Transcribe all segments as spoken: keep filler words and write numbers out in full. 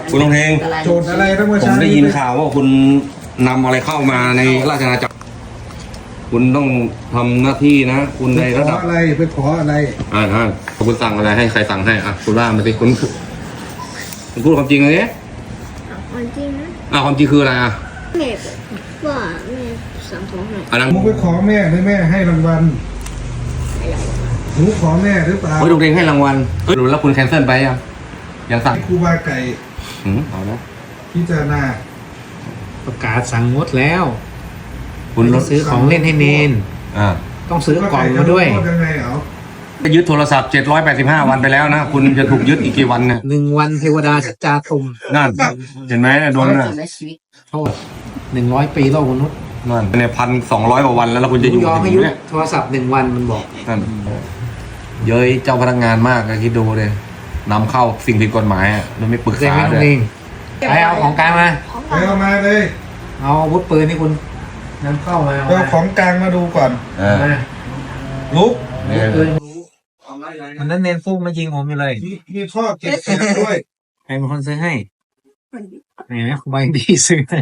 คุณต้องเพลงโจทย์อะไรนะเมื่อผมเช้าได้ยินข่าวว่าคุณนำอะไรเข้ามาในราชอาณาจักรคุณต้องทำหน้าที่นะ คุณในไประ ขดัอบ อะไรไปขออะไรอ่าอ่าคุณสั่งอะไรให้ใครสั่งให้อ่ะคุณว่ามาสิคุณคุณพูดความจริงเลยวันจริงนะอ่ะความจริงคืออะไรอ่ะแม่บอกว่าแม่สั่งของให้อันนั้นมึงไปขอแม่หรือแม่ให้รางวัลหนูขอแม่หรือเปล่าเฮ้ยโรงเรียนให้รางวัลเฮ้ยแล้วคุณแคนเซิลไปยังยังสั่งให้ครูบาไก่หืมเอานะพิจารณาประกาศสั่งงดแล้วคุณรถซื้อของเล่นให้เนนอ่าต้องซื้อกล่องมาด้วยครูบไก่จะลงโทษยังไงเอาจะยึดโทรศัพท์เจ็ดร้อยแปดสิบห้าวันไปแล้วนะคุณจะถูกยึดอีกกี่วันเนี่ยหนึ่งวันเทวดาจาตุมนั่นเห็นไหมโดนน่ะโทษหนึ่งร้อยปีโลกมนุษย์นั่นเนี่ยพันสองร้อยกว่าวันแล้วแล้วคุณจะอยู่ยอมให้ถึยุงดเนี่ยโทรศัพท์หนึ่งวันมันบอกนั่นเย้ยเจ้าพนักงานมากอะคิดดูเลยนำเข้าสิ่งผิดกฎหมายอะโดยไม่ปรึกเรียกษาไม่ต้เลองยเองไปเอาของกลางมาไปเอามาเลยเอาอาวุธปืนที่คุณนำเข้ามาไปเอาของกลางมาดูก่อนเออมาลุกเนี่ยปืนมันนั้นเนนฟุกมายิงผมอยู่เลยมีมีท่อเก็บเสียงด้วยใครเป็นคนซื้อให้ไหนไหมคุณใบดีซื้อให้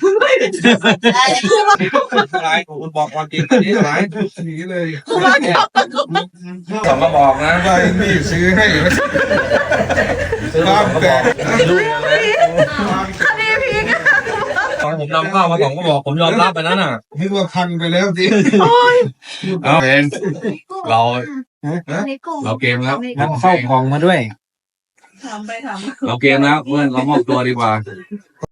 ร้ายคุณบอกความจริงอันนี้ร้ายหนีเลยสองกระบอกนะใบนี่ซื้อให้ความแตกลูกตอนผมนำเข้ามาสองกระบอกผมยอมรับไปนั้นอ่ะนึกว่าพังไปแล้วสิเอาเองเราเราเกมแล้วนำเข้ากล่องมาด้วยทำไปทำเราเกมแล้วเพื่อนเรามอบตัวดีกว่า